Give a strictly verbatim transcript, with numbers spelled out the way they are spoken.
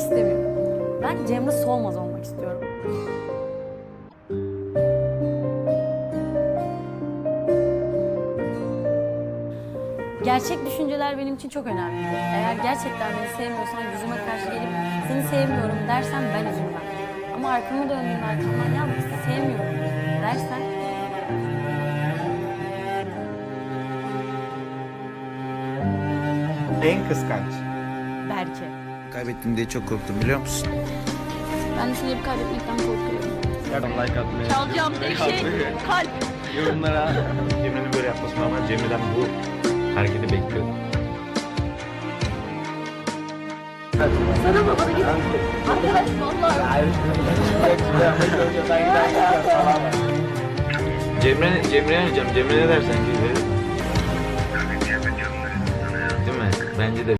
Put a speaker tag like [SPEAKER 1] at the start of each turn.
[SPEAKER 1] istemiyorum. Ben Cemre Solmaz olmak istiyorum. Gerçek düşünceler benim için çok önemli. Eğer gerçekten beni sevmiyorsan yüzüme karşı gelip seni sevmiyorum dersen ben üzülmem. Ama arkamı döndüğün arkamdan ya sevmiyorum dersen
[SPEAKER 2] En kıskanç.
[SPEAKER 1] Berke.
[SPEAKER 3] Kaybettim diye çok korktum biliyor musun?
[SPEAKER 1] Ben de seni hep kaybetmekten korkuyorum.
[SPEAKER 2] Yardım like atmayı.
[SPEAKER 1] Çalacağım tek şey kalp.
[SPEAKER 2] Yorumlara. Cemre'nin böyle yapması normal. Cemre'den bu hareketi bekliyordum.
[SPEAKER 1] Sana mı bana git. Arkadaş vallahi.
[SPEAKER 2] Cemre, Cemre'ye arayacağım. Cemre ne dersen ki? Değil mi? Bence de.